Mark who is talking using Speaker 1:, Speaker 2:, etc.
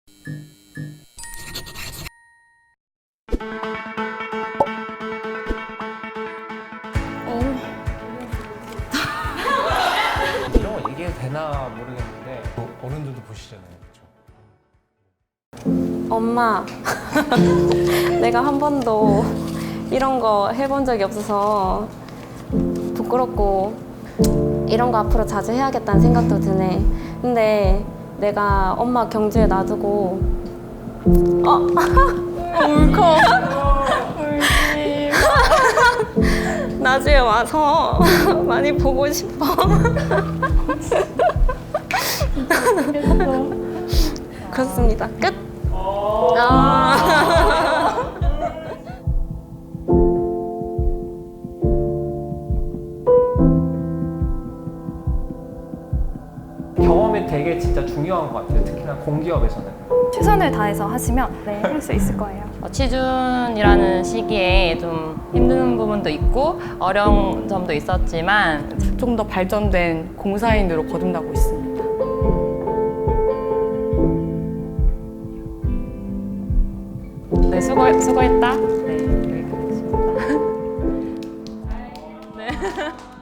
Speaker 1: 이런 거 얘기해도 되나 모르겠는데 어른들도 보시잖아요. 그렇죠?
Speaker 2: 엄마, 내가 한 번도 이런 거 해본 적이 없어서 부끄럽고 이런 거 앞으로 자주 해야겠다는 생각도 드네. 근데 내가 엄마 경주에 놔두고 울컥 울지 나중에 와서 많이 보고 싶어. 그렇습니다. 끝.
Speaker 1: 경험이 되게 진짜 중요한 것 같아요. 특히나 공기업에서는.
Speaker 3: 최선을 다해서 하시면 할 수 있을 거예요.
Speaker 4: 취준이라는 시기에 좀 힘든 부분도 있고 어려운 점도 있었지만
Speaker 5: 좀 더 발전된 공사인으로 거듭나고 있습니다.
Speaker 4: 네, 수고했다. 네, 여기까지입니다. 네.